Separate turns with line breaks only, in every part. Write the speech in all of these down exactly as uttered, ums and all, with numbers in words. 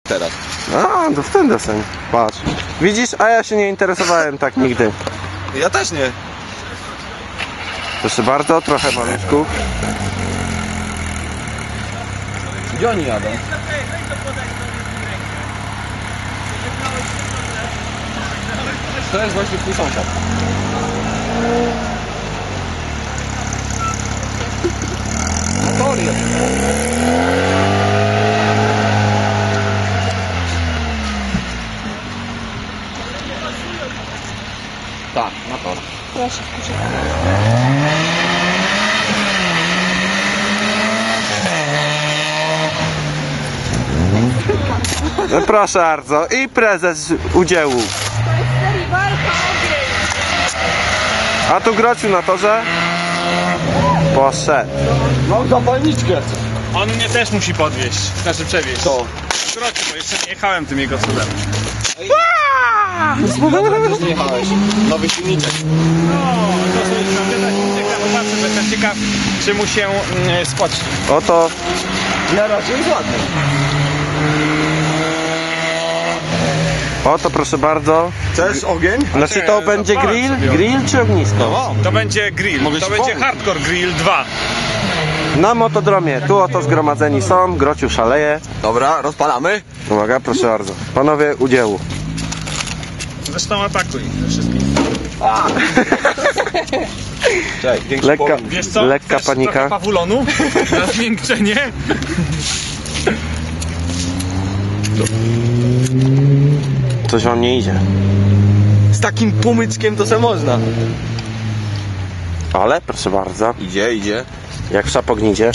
teraz.
A, to w ten deseń. Patrz. Widzisz, a ja się nie interesowałem tak nigdy.
Ja też nie.
Proszę bardzo, trochę maluszków.
Gdzie oni jadą? To jest właśnie twój sąsiad. Motor jest. Tak, motor.
Proszę, proszę.
No proszę bardzo. I prezes udziału. A tu Grociu na torze. Poszedł.
Mam zapalniczkę.
On mnie też musi podwieźć, znaczy przewieźć.
Co?
Kroczy, bo jeszcze nie jechałem tym jego cudem.
Też nie jechałeś. Nowy silniczek.
No, to sobie tam wydać silnika, popatrzę, że jestem ciekaw, czy mu się mm, spoci.
Oto.
Na razie jest ładny.
Oto proszę bardzo.
Chcesz ogień?
Znaczy to będzie grill? Grill czy ognisko?
No.
To będzie grill,
Mogę
to
ci
będzie
pomóc.
hardcore grill dwa.
Na motodromie. Tu oto zgromadzeni są. Grociu szaleje.
Dobra, rozpalamy.
Uwaga, proszę bardzo. Panowie udziału.
Zresztą atakuj ze wszystkich.
Cześć, większy
Lekka,
powód.
Wiesz co?
lekka
Chcesz
panika.
trochę pawulonu na zmiękczenie?
Coś wam nie idzie.
Z takim pumyczkiem to se można.
Ale proszę bardzo.
Idzie, idzie.
Jak w szapognidzie.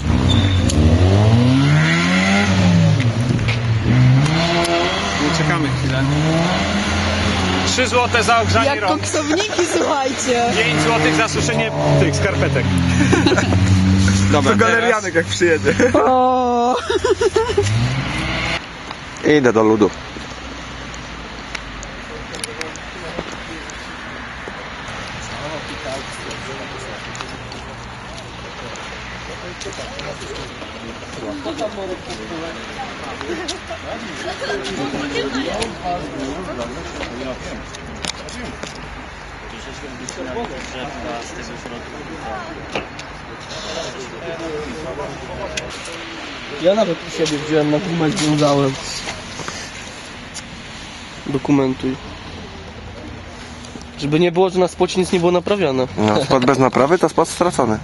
Nie czekamy chwilę. trzy złote za ogrzanie
Jak
rąk.
koksowniki, słuchajcie.
pięć złotych za suszenie tych skarpetek. Dobra,
To galerianek jak przyjedzie.
O.
Idę do ludu.
Ja nawet u siebie wziąłem na gumę, związałem. Dokumentuj. Żeby nie było, że na spocie nic nie było naprawiane.
No, spod bez naprawy to spod stracony.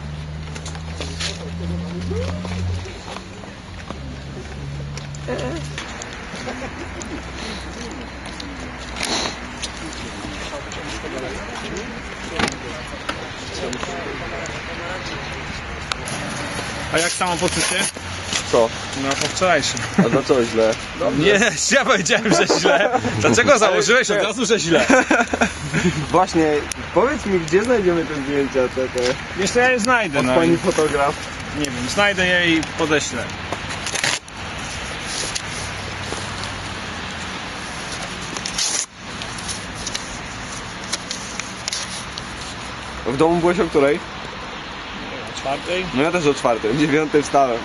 A jak samopoczucie?
Co?
No po wczorajszym.
A to co źle?
Nie, ja powiedziałem, że źle. Dlaczego założyłeś od razu, że źle?
Właśnie, powiedz mi, gdzie znajdziemy te zdjęcia, te, te
Wiesz co, ja je znajdę,
od
no.
pani fotograf.
Nie wiem, znajdę je i podeślę.
W domu byłeś o której?
O czwartej?
No ja też o czwartej, o dziewiątej wstałem.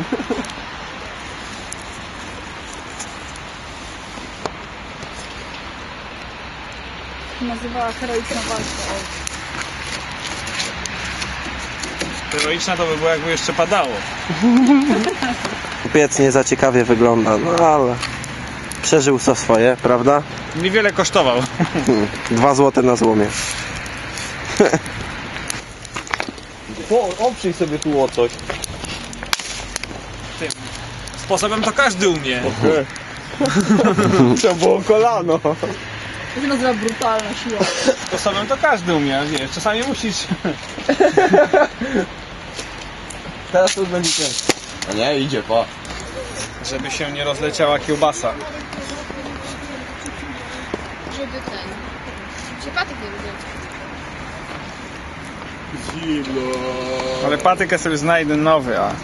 Nazywała heroiczna walka.
Heroiczna to by było, jakby jeszcze padało.
Piec nie za ciekawie wygląda, no ale przeżył co swoje, prawda?
Niewiele kosztował.
Hmm, Dwa złote na złomie.
Po, oprzyj sobie tu o coś.
Tym sposobem to każdy umie.
To było kolano.
To się nazywa brutalna siła.
Sposobem to każdy umie, wiesz, czasami musisz.
Teraz to już będzie ciężko. A nie, idzie, pa.
Żeby się nie rozleciała kiełbasa.
Żeby ten... Się patyk nie lubią.
Zimno.
Ale patykę sobie znajdę nowy, a...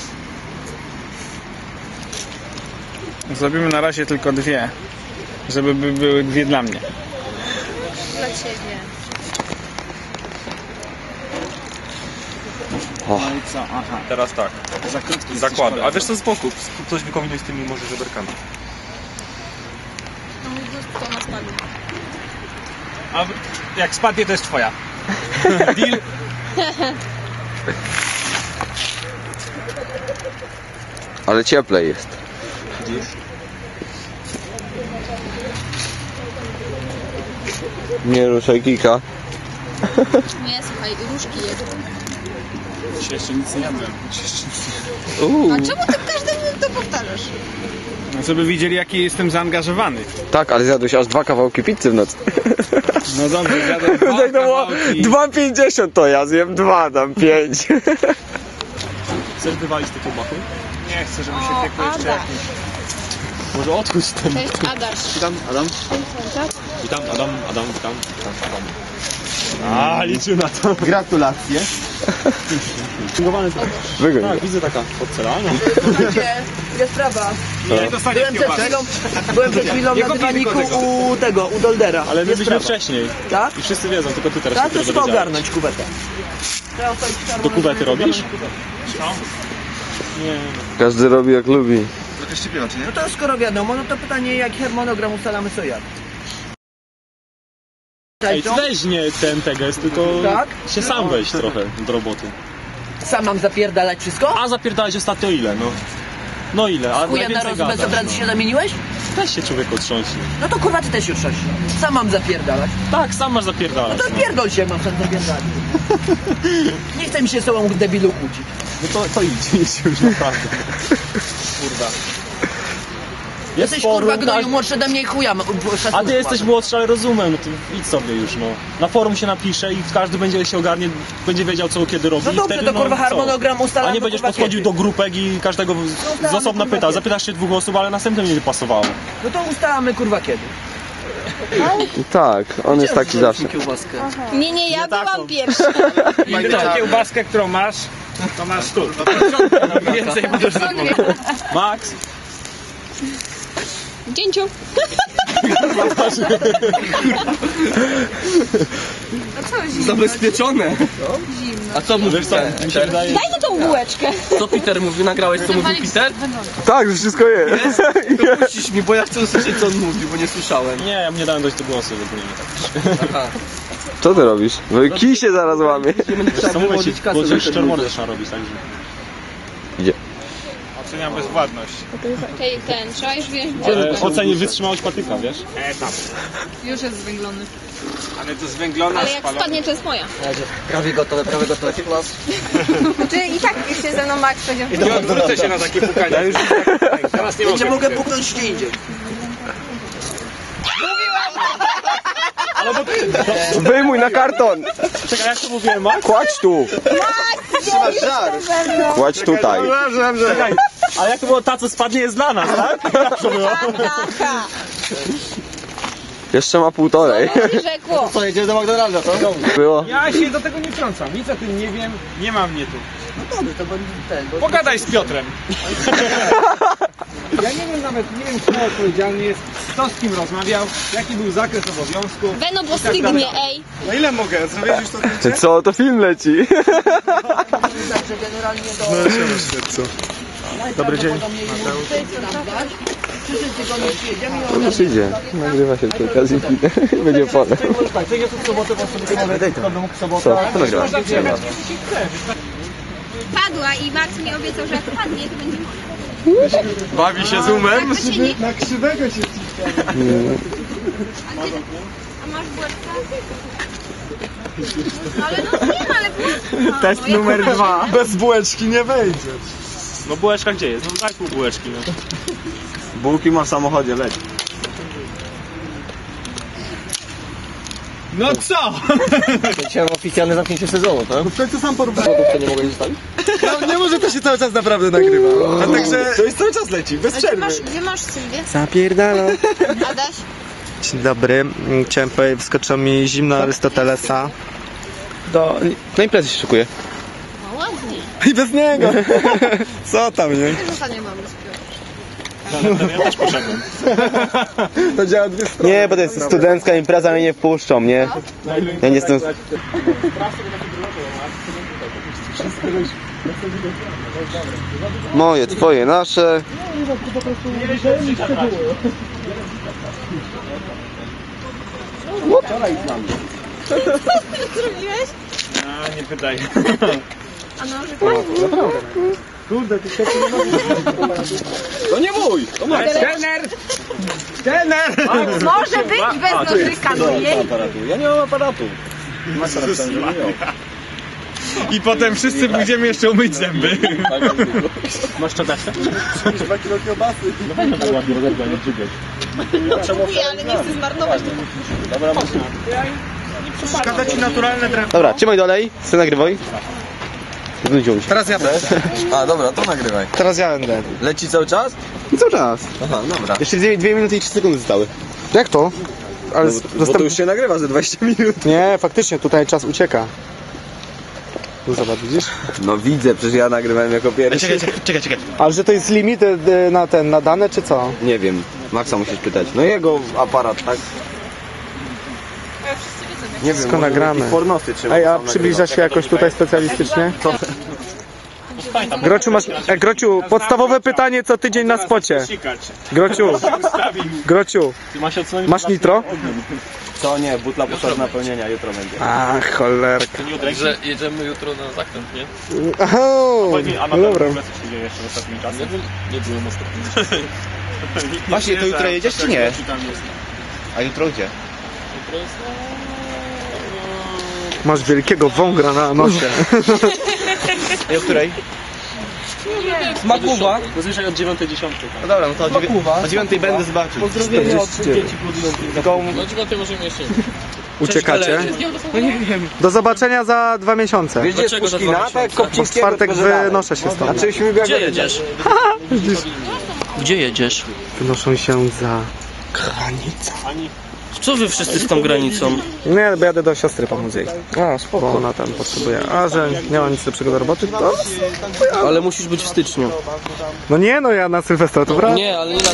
Zrobimy na razie tylko dwie. Żeby by były dwie dla mnie.
Dla ciebie.
No i co? Aha.
Teraz tak,
Za krótki
zakłady. A wiesz co, z boku, coś wykombinuj z tymi może żeberkami.
A jak spadnie, to jest twoja. Deal?
Ale cieplej jest. Nie ruszaj kika.
Nie, słuchaj, różki jedzą.
Dzisiaj jeszcze nic nie jadłem.
Uuu.
A czemu ty każdym to powtarzasz?
No, żeby widzieli, jaki jestem zaangażowany.
Tak, ale zjadłeś aż dwa kawałki pizzy w nocy.
No dobrze, zjadłem dwa
Tak to było
kawałki.
dwa pięćdziesiąt to ja zjem dwa, tam pięć.
Chcesz wywalić te kiełbachy?
Nie chcę, żeby się
O,
piekło jeszcze
Adaś.
jakieś.
Może otwórz ten.
Cześć, Adaś.
Witam, Adam. Witam, Adam, Adam, witam. Adam. A, liczył na to.
Gratulacje.
Wygoń.
Tak, widzę taka porcelana.
Jest sprawa.
Nie dostaniesz
Byłem przed
kiełbasy.
chwilą, byłem przed chwilą
Nie
na
kopiuj
dywaniku
tylko tego.
u tego, u Doldera.
Ale my
Jest
byliśmy
sprawa.
wcześniej.
Tak?
I wszyscy wiedzą, tylko ty teraz
Tak, to
dopiero
trzeba
dowiedziałeś.
ogarnąć kuwetę.
Do kuwety robisz? Nie.
Każdy robi jak lubi.
No to skoro wiadomo, no to pytanie, jaki harmonogram ustalamy co jak.
Ej, ty weź nie ten tegest, tylko
Tak?
się sam weź trochę do roboty.
Sam mam zapierdalać wszystko?
A zapierdałeś ostatnio ile, no? No ile? A
Chuja na
najwięcej
roz
gadasz,
bez obrazy
no.
się zamieniłeś?
Weź się człowieku trząśnie.
No to kurwa ty też już coś. Sam mam zapierdalać.
Tak, sam masz
No
zapierdalać.
to pierdol się, mam sam zapierdalać. Nie chce mi się z tobą debilu kłócić.
No to, to idź, idź już naprawdę. Kurwa. Jest
Jesteś
forum,
kurwa gnoju,
każ-
młodszy ode mnie i chuja. ma- szacunku
A ty jesteś
mam.
młodszy, ale rozumiem, no to idź sobie już, no. Na forum się napisze i każdy będzie się ogarnie, będzie wiedział co kiedy robi.
No
i
dobrze,
wtedy,
to kurwa
co?
harmonogram ustalamy.
A nie będziesz
kurwa,
podchodził
kiedy.
do grupek i każdego z- z osobna
kurwa,
pytał.
kiedy.
Zapytasz się dwóch osób, ale następnym nie pasowało.
No to ustalamy kurwa kiedy.
Tak, on jest taki zawsze.
Kiełbaskę.
Nie, nie, ja
Nie
byłam
taką.
pierwsza.
I tę kiełbaskę, którą masz, to masz tu. Więcej możesz zrobić.
Max!
Dzięciu. A co zimno?
Zabezpieczone.
A co mówisz? Co? Mi się wydaje...
Daj mi tą bułeczkę.
Co Peter mówi? Nagrałeś co mówił Peter?
Tak, że wszystko jest.
Puścisz mi, bo ja chcę usłyszeć, co on mówi, bo nie słyszałem.
Nie, ja nie dałem dojść do głosu, w ogóle nie tak.
Co ty robisz? No i kij się zaraz łamie.
Co mówię ci, bo ci szczermordę trzeba robić, tak?
Oceniam bezwładność.
Tej, ten, trzeba już wziąć
Ale
bułeczkę.
oceni wytrzymałość patyka, wiesz?
E, tam.
Już jest zwęglony.
Ale to zwęglona,
Ale jak
spalona.
spadnie, to jest moja.
Prawie gotowe, prawie gotowe.
Czy i tak się ze mną Max będzie w
Nie odwrócę się na takie pukania. Już teraz nie
Gdzie
mogę.
mogę puknąć gdzie indziej.
Wyjmuj na karton.
Czekaj, jak to mówiłem, Max?
Kładź tu.
Trzymasz żar.
Kładź tutaj.
Czekaj, a jak to było, ta co spadnie jest dla nas, tak? Jak to było?
Jeszcze ma półtorej.
rzekło.
Co, jedziemy do McDonalda, co?
Było.
Ja się do tego nie wtrącam. Nic o tym nie wiem. Nie ma mnie tu.
No dobrze, to będzie ten. Bo...
Pogadaj z Piotrem. Ja nie wiem nawet, nie wiem kto odpowiedzialny jest, kto z kim rozmawiał, jaki był zakres obowiązków.
Weno, bo stygnie, ej.
Na ile mogę? Zrobisz już to zdjęcie?
Co, to film leci.
Także generalnie do...
Dobry dzień.
Przyszedł tygodniu przyjedziemy i
To już idzie. Nagrywa się przy okazji. Będzie pole.
tak, co jest w sobotę, bo sobie mogę dać w sobotę.
Co? To nagrywa.
Padła i Max mi obiecał, że jak padnie, to będzie moja.
Bawi się zoomem.
Tak, to się nie...
Na krzywego się
A, ty... A masz bułeczkę? No, ale no nie ma, ale bułeczka.
Test
No, jak
numer
to
dwa.
będzie?
Bez bułeczki nie wejdzie.
No bułeczka gdzie jest? No daj pół bułeczki, no.
Bułki ma w samochodzie, leć.
No co?
Chciałem oficjalne zamknięcie sezonu, tak?
W końcu sam porównaj.
To nie mogę zostawić?
No, nie może to się cały czas naprawdę nagrywa. A także... To jest cały czas leci, bez
A gdzie
przerwy.
masz, gdzie masz Sylwię?
Zapierdalam.
Adaś?
Dzień dobry, chciałem powiedzieć, wyskoczyło mi zimno Arystotelesa.
Do... Na imprezy się szykuje.
No ładnie.
I bez niego! Co tam, nie?
Też ostatnio mam rozpiąć.
Ja też poszedłem.
To działa dwie strony.
Nie, bo to jest studencka impreza, mnie nie wpuszczą, nie? Ja nie jestem... Moje, twoje, nasze.
Zrobiłeś?
A, nie pytaj.
A nożyk?
Kurde, ty się to nie mój! To mój!
Trener! Trener!
Może być bez nożyka, no jej.
Ja nie mam aparatu.
I potem wszyscy pójdziemy jeszcze umyć zęby.
Masz szczoteczkę?
dwa kilo kiełbasy.
Kupuję, ale nie chcę zmarnować tego.
Szkoda ci naturalne drewno.
Dobra, trzymaj dalej, ty nagrywaj. Znudziło mi się.
Teraz ja też. A dobra, to nagrywaj.
Teraz ja będę.
Leci cały czas?
I cały czas.
Aha, dobra.
Jeszcze dwie, dwie minuty i trzy sekundy zostały. Jak to? Ale
No, bo, bo to już się nagrywa za dwadzieścia minut.
Nie, faktycznie, tutaj czas ucieka. No zobacz, widzisz?
No widzę, przecież ja nagrywałem jako pierwszy.
Czekaj, czekaj, czekaj, czekaj.
Ale że to jest limit y, na ten, na dane, czy co?
Nie wiem, Maxa musisz pytać. No jego aparat, tak? Nie wiem,
Wszystko
może
nagramy.
jakieś pornosy trzeba
Ej, a
tam
przybliża
nagrywać.
się jakoś tutaj specjalistycznie? Grociu, masz, e, Grociu, podstawowe pytanie co tydzień na spocie. Grociu, Grociu,
Ty masz odsunąć
masz nitro?
Co nie, butla poszła napełnienia, jutro będzie.
A, cholerka.
Że jedziemy jutro na zakręt, nie?
Aha,
A na
no dobra.
pewno co się dzieje jeszcze w ostatnim czasie?
Nie, byłem- nie byłem ostatnio.
Właśnie, to jutro jedziesz czy nie? A jutro gdzie?
Jutro jest...
Masz wielkiego wągra na nosie.
I o której?
Makuwa. Zazwyczaj od dziewiątej dziesiątej.
No dobra, no to o, dziewię- o dziewiątej będę zobaczył.
Pozdrowienia od dzieci.
Tylko
No dziewiątej możemy jeszcze.
uciekacie. Do zobaczenia za dwa miesiące.
Wiesz, gdzie jest
Dlaczego za
Puszkina?
dwa
Tak jak
miesiące?
Bo w
Kopcińskiego,
czwartek
tylko że dalej.
wynoszę się stąd.
Znaczy śmigła
Gdzie jedziesz? Gdzie jedziesz?
Wynoszą się za...
Co wy wszyscy z tą granicą?
Nie, bo jadę do siostry pomóc jej. A, spoko. Bo ona tam potrzebuje. A, że nie ma nic lepszego do roboty, to...
Ale musisz być w styczniu.
No nie, no ja na Sylwestra, to prawda?
Nie, ale nie na...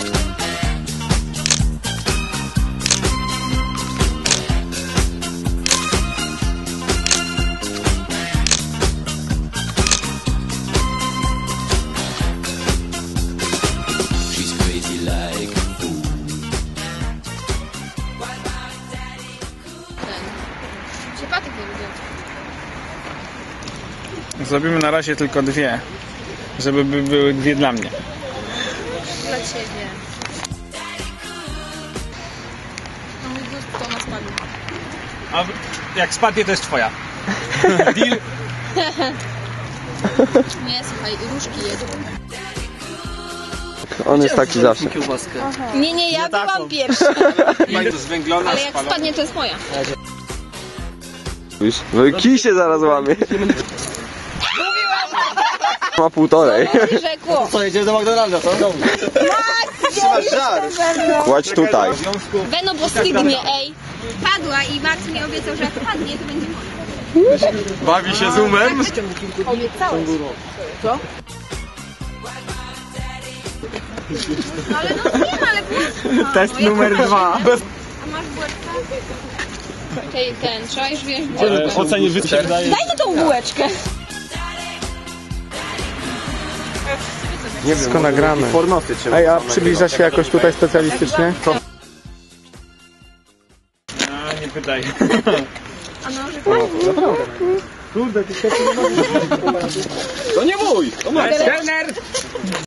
Się patyk nie lubię.
Zrobimy na razie tylko dwie. Żeby by były dwie dla mnie.
Dla ciebie. No mój gust to na spadnie.
A jak spadnie, to jest twoja. Deal?
Nie, słuchaj, różki jedzą.
On jest taki zawsze.
Nie, nie, ja byłam pierwsza.
Bardzo zwęglona,
Ale jak spadnie, to jest moja.
No i kij się zaraz łamie. Ma półtorej.
Rzekło.
Co, jedziemy do McDonalda, co? Trzymasz żar.
Kładź tutaj.
Beno, bo stygnie, ej. Padła i Max mi obiecał, że jak padnie, to będzie moja.
Bawi się z umem.
Obiecałeś. Co? No ale no nie ma, ale było.
Test numer dwa.
A masz bułeczkę? Tej, ten, trzeba już wziąć
W
bułeczkę.
ocenie wytycznych daje...
Daj mi tą bułeczkę.
Nie wiem,
Wszystko
może
nagramy.
jakieś pornosy trzeba
Ej, a
tam
przybliża
nagrywać.
się jakoś tutaj specjalistycznie?
A, nie pytaj.
A nożyk?
Kurde, ty się to nie mój! To mój!
Trener!